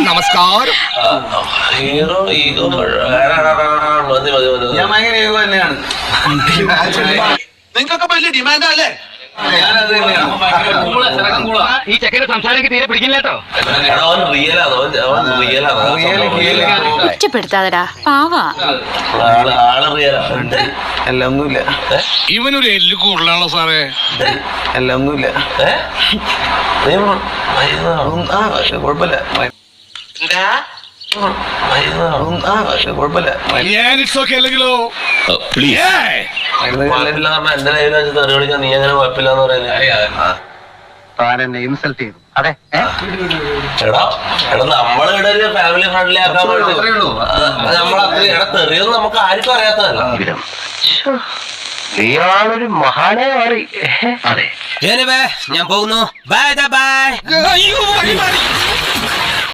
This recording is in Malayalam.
നമസ്കാരം. ഹീറോ ഈഗോ മതി മതി മതി. ഞാൻ ഭയങ്കര ഈഗോ തന്നെയാണ്. നിങ്ങൾക്കൊക്കെ വലിയ ഡിമാൻഡാ അല്ലേ? ഞാനത് തന്നെയാണ്. ഈ ചെക്കന്റെ സംസാരം തീരെ പിടിക്കില്ല കേട്ടോ. അവൻ റിയലാണ്, അവൻ റിയലാണ്. കുറ്റപ്പെടുത്താതെടാ പാവാ. ആള് റിയലാണ്. അല്ല ഒന്നുമില്ല. ഇവനൊരു എല്ല് കൂടുതലാണോ സാറേ? അല്ല ഒന്നുമില്ല. കുഴപ്പമില്ല. കുഴപ്പമില്ല. ഞാൻ ഇറ്റ്സ് ഓക്കെ അല്ലെങ്കിലോ? എന്റെ ലൈവിൽ വെച്ച് തെറി വിളിക്കാൻ നീ അങ്ങനെ കുഴപ്പമില്ലാന്ന് പറയുന്നത്. ഇൻസൾട്ട് ചെയ്തു. അതെ എടാ നമ്മളിവിടെ ഒരു ഫാമിലി ഫ്രണ്ട്ലി ആക്കാൻ വേണ്ടി നമ്മളത്ര എടാ തെറിയൊന്നും നമുക്ക് ആർക്കും അറിയാത്തതല്ല. നീയാളൊരു മഹാനെ മാറി. അതെ ഞാൻ പോകുന്നു. Bye by.